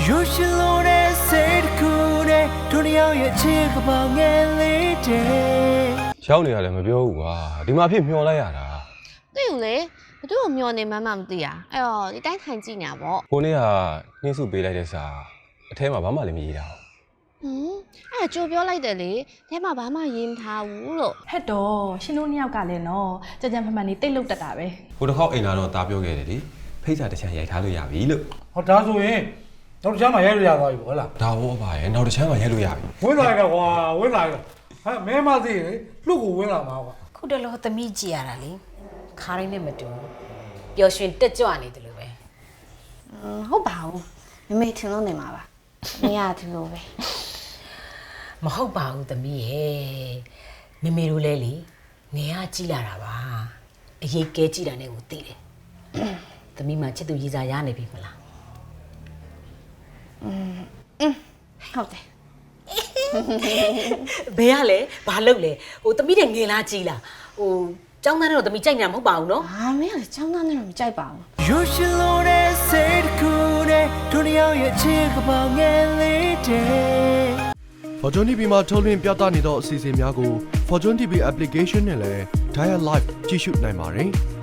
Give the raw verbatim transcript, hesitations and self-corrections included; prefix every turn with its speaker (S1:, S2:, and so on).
S1: You should know that said cool day တို့တယောက်ရဲ့ချစ်ကပောင်ငယ်လေးတဲ့
S2: ရောက်နေရတယ်မပြောဘူးကွာဒီမှာဖြစ်မျောလိုက်ရတာ
S3: သိอยู่လေဘသူ့ကိုမျောနေမှမှမသိอ่ะအဲ့တော့ဒီတိုင်းထိုင်ကြည့်နေတာပေါ့
S2: ကိုနေ့ကနှင်းစုပေးလိုက်တဲ့စာအထဲမှာဘာမှလည်းမရေးတာ
S3: ဟွန်းအဲ့ဒါကြိုပြောလိုက်တယ်လေအဲမှာဘာမှရေးမထားဘူးလို့
S4: ဟဲ့တော့ရှင်တို့နှစ်ယောက်ကလည်းနော်ကြကြမှန်မှန်နေတိတ်လုတ်တတ်တာပဲ
S2: ဟိုတစ်ခေါက်အိမ်လာတော့တာပြောခဲ့တယ်လေဖိတ်စာတစ်ချမ်းရိုက်ထားလို့ရပြီလို့
S5: ဟောဒါဆိုရင်နောက်တစ်ချမ်းမှရိုက်လို့ရသွားပြီဟုတ်လား
S2: ဒါဘောပါရဲ့နောက်တစ်ချမ်းမှရိုက်လို့ရပြီ
S5: ဝင်းလာရကွာဝင်းလာရဟဲ့မဲမသိလေလူ့ကိုဝင်းလာမှာကွာ
S6: ခုတလောသမီးကြည်ရတာလေခါရင်းနဲ့မတူပျော်ရွှင်တက်ကြွနေတယ်လို့ပဲ
S3: ဟုတ်ပါဘူးမမေထင်လို့နေမှာပါမရဘူးလို့ပဲ
S6: မဟုတ်ပါဘူးသမီးရဲ့မမေတို့လဲလေငယ်ကကြည်လာတာပါအရေးကဲကြည်တာနဲ့ကိုသိတယ်သမီးမှချစ်သူရည်စားရနေပြီမလား
S3: อืมอืมဟုတ်တယ်
S6: ဘယ်ရလဲဘာလုပ်လဲဟိုသမီးတဲ့ငယ်လားကြည်လားဟိုကျောင်းသားတော့သမီးကြိုက်နေတာမဟုတ်ပါဘူးနော်
S3: ဟာမင်းကလည်းကျောင်းသားနဲ့တော့မကြိုက်ပါဘူး
S1: You should know that said cool day တို့တယောက်ရဲ့ချစ်ကပောင်ငယ်လေးတဲ့
S7: Fortune တီဗီ မှာထုတ်လွှင့်ပြသနေသောအစီအစဉ်များကို Fortune တီဗီ application နဲ့လည်း Dial Live ကြည့်ရှုနိုင်ပါတယ်။